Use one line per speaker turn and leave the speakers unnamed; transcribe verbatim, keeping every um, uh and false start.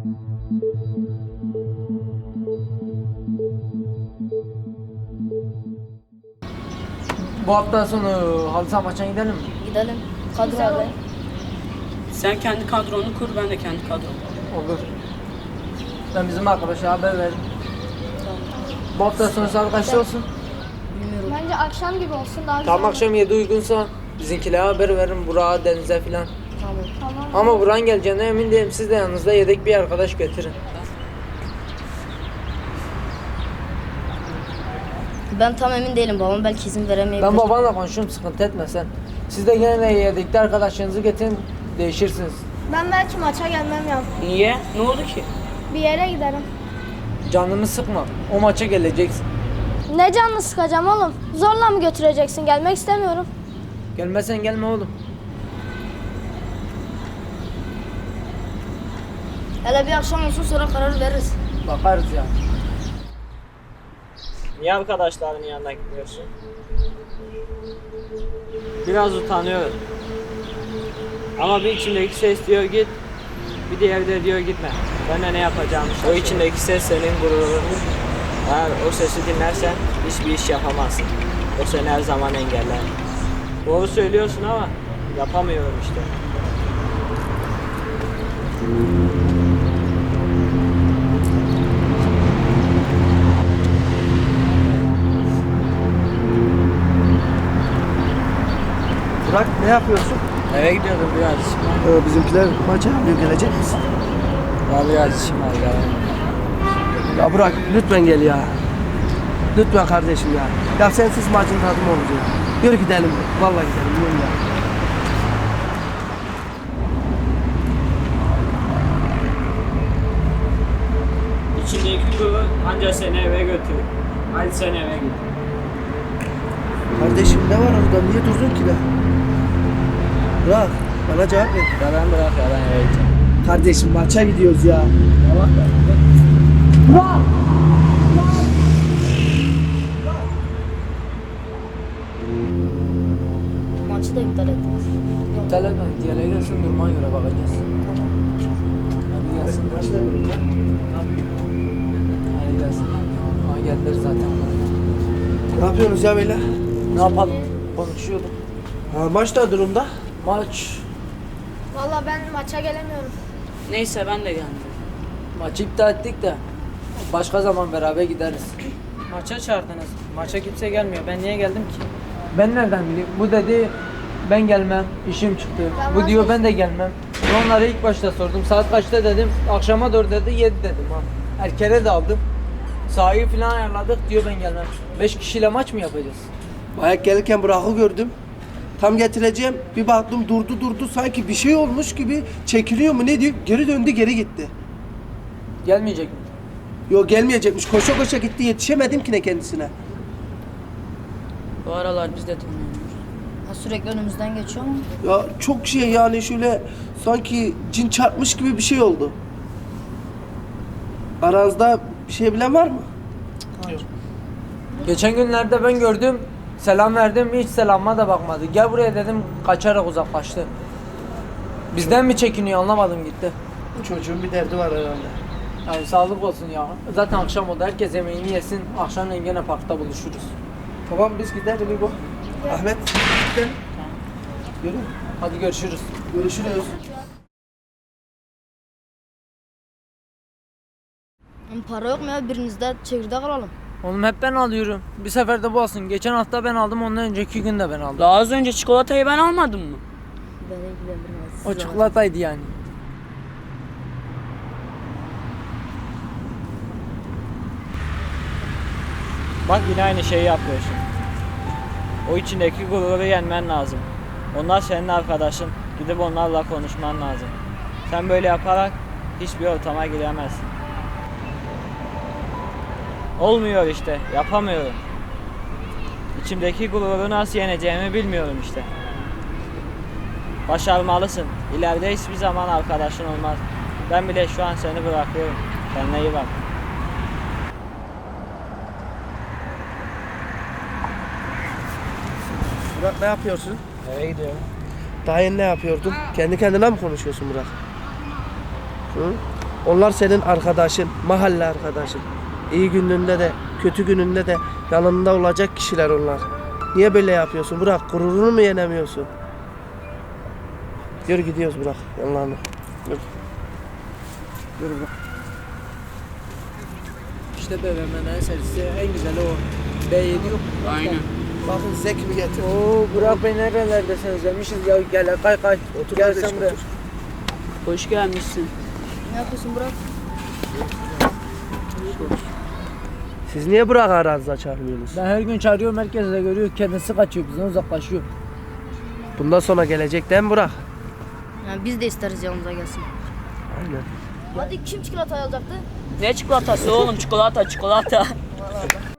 Bu hafta sonu halı saha maçına gidelim mi?
Gidelim. Kadro abi.
Sen kendi kadronu kur, ben de kendi kadromu.
Olur. Ben bizim arkadaşa haber veririm.
Tamam.
Bu hafta sonu saat kaçta olsun?
Bilmiyorum.
Bence akşam gibi olsun daha güzel.
Tam akşam yedi uygunsa bizimkilere haber veririm. Burak'a, Deniz'e filan.
Tamam.
Tamam.
Ama Burak'ın geleceğine emin değilim. Siz de yanınızda yedek bir arkadaş götürün.
Ben tam emin değilim. Babam belki izin veremeyebilir.
Ben babanla konuşurum, sıkıntı etme sen. Siz de gene de yedekli arkadaşlarınızı getirin, değişirsiniz.
Ben belki maça gelmem ya.
Niye? Ne oldu ki?
Bir yere giderim.
Canını sıkma, o maça geleceksin.
Ne canını sıkacağım oğlum? Zorla mı götüreceksin? Gelmek istemiyorum.
Gelmezsen gelme oğlum.
Hele bir akşam olsun sonra karar veririz.
Bakarız ya.
Niye arkadaşların yanına gitmiyorsun? Biraz utanıyorum. Ama bir içimdeki ses diyor git, bir diğeri de diyor gitme. Ben de ne yapacağımı şaşırıyorum. O içindeki ses senin gururun. Eğer o sesi dinlersen hiçbir iş yapamazsın. O seni her zaman engeller. Doğru söylüyorsun ama yapamıyorum işte.
Burak ne yapıyorsun?
Eve gidiyordum biraz.
Ee, bizimkiler maça yapıyor, gelecek misin?
Ya biraz işim var ya.
Ya Burak lütfen gel ya. Lütfen kardeşim ya. Ya sensiz maçın tadı mı olur ya? Yürü gidelim. Vallahi gidelim. Yürü ya.
İçindeki gurur ancak seni eve götürür. Hadi sen eve git.
Kardeşim ne var orada? Niye durdun ki be? Burak bana cevap ver.
Ya ben bırak ya ben eve gideceğim.
Kardeşim maça gidiyoruz ya. Allah
Maçı da iptal ettiniz.
İptal etme, diğerleri gelsin duruma göre bakacağız. Hadi gelsin. Hadi gelsin. Ama geldiler zaten.
Ne yapıyorsunuz ya beyler?
Ne yapalım? Konuşuyorduk.
Ha, maç da durumda.
Maç,
Vallahi ben maça gelemiyorum.
Neyse ben de geldim.
maçı iptal ettik de başka zaman beraber gideriz.
Maça çağırdınız. Maça kimse gelmiyor. Ben niye geldim ki?
Ben nereden bileyim? Bu dedi ben gelmem, işim çıktı.
Ben
Bu diyor
vazgeçtim.
ben de gelmem. Ben onlara ilk başta sordum. Saat kaçta dedim. Akşama doğru dedi, yedi dedim ha. Erkene de aldım. Sahayı falan ayarladık diyor ben gelmem. Beş kişiyle maç mı yapacağız?
Ayak gelirken Burak'ı gördüm. Tam getireceğim. Bir baktım durdu durdu sanki bir şey olmuş gibi çekiliyor mu ne diyor? Geri döndü geri gitti.
Gelmeyecek mi?
Yok gelmeyecekmiş. Koşa koşa gitti. Yetişemedim ki ne kendisine.
Bu aralar biz de tanıyoruz.
Ha, sürekli önümüzden geçiyor mu?
Ya çok şey yani şöyle sanki cin çarpmış gibi bir şey oldu. Aranızda bir şey bilen var mı?
Geçen günlerde ben gördüm. Selam verdim, hiç selama da bakmadı. Gel buraya dedim, kaçarak uzaklaştı. Bizden mi çekiniyor anlamadım gitti.
Bu çocuğun bir derdi var herhalde.
Yani sağlık olsun ya. Zaten akşam oldu, herkes yemeğini yesin. Akşamleyin gene parkta buluşuruz.
Tamam biz gidelim İbo. Ahmet gidelim. Yürü.
Hadi görüşürüz.
Görüşürüz.
Para yok mu ya? Birinizde çekirdek alalım.
Oğlum hep ben alıyorum. Bir sefer de bu olsun. Geçen hafta ben aldım, ondan önceki gün de ben aldım.
Daha az önce çikolatayı ben almadım mı?
Beni ilgilendirmez.
O
Siz
çikolataydı yani.
Bak yine aynı şeyi yapıyorsun. O içindeki gururu yenmen lazım. Onlar senin arkadaşın. Gidip onlarla konuşman lazım. Sen böyle yaparak hiçbir ortama giremezsin. Olmuyor işte. Yapamıyorum. İçimdeki gururu nasıl yeneceğimi bilmiyorum işte. Başarmalısın. İleride hiçbir zaman arkadaşın olmaz. Ben bile şu an seni bırakıyorum. Kendine iyi bak.
Burak ne yapıyorsun?
Eve gidiyorum.
Daha yeni ne yapıyordun? Kendi kendine mi konuşuyorsun Burak? Hı? Onlar senin arkadaşın, mahalle arkadaşın. İyi gününde de, kötü gününde de yanında olacak kişiler onlar. Niye böyle yapıyorsun? Bırak, gururunu mu yenemiyorsun? Yürü gidiyoruz, bırak yanlarına. Yürü. Yürü bırak.
İşte B V M'nin en serisi en güzeli o. B yedi yok.
Aynen.
Bakın size kimi getir.
Oo Burak Bey nerelerdesin özlemişiz ya gel kay kay.
Otur
Gel
kardeşim,
sen buraya.
otur.
Hoş gelmişsin.
Ne yapıyorsun Burak?
Siz niye Burak'ı aranızda çağırmıyorsunuz?
Ben her gün çağırıyorum herkes de görüyor kendisi kaçıyor bizden uzaklaşıyor.
Bundan sonra gelecek değil mi Burak?
Yani biz de isteriz yanımıza gelsin.
Aynen.
Hadi kim çikolata alacaktı?
Ne çikolatası oğlum? Çikolata çikolata.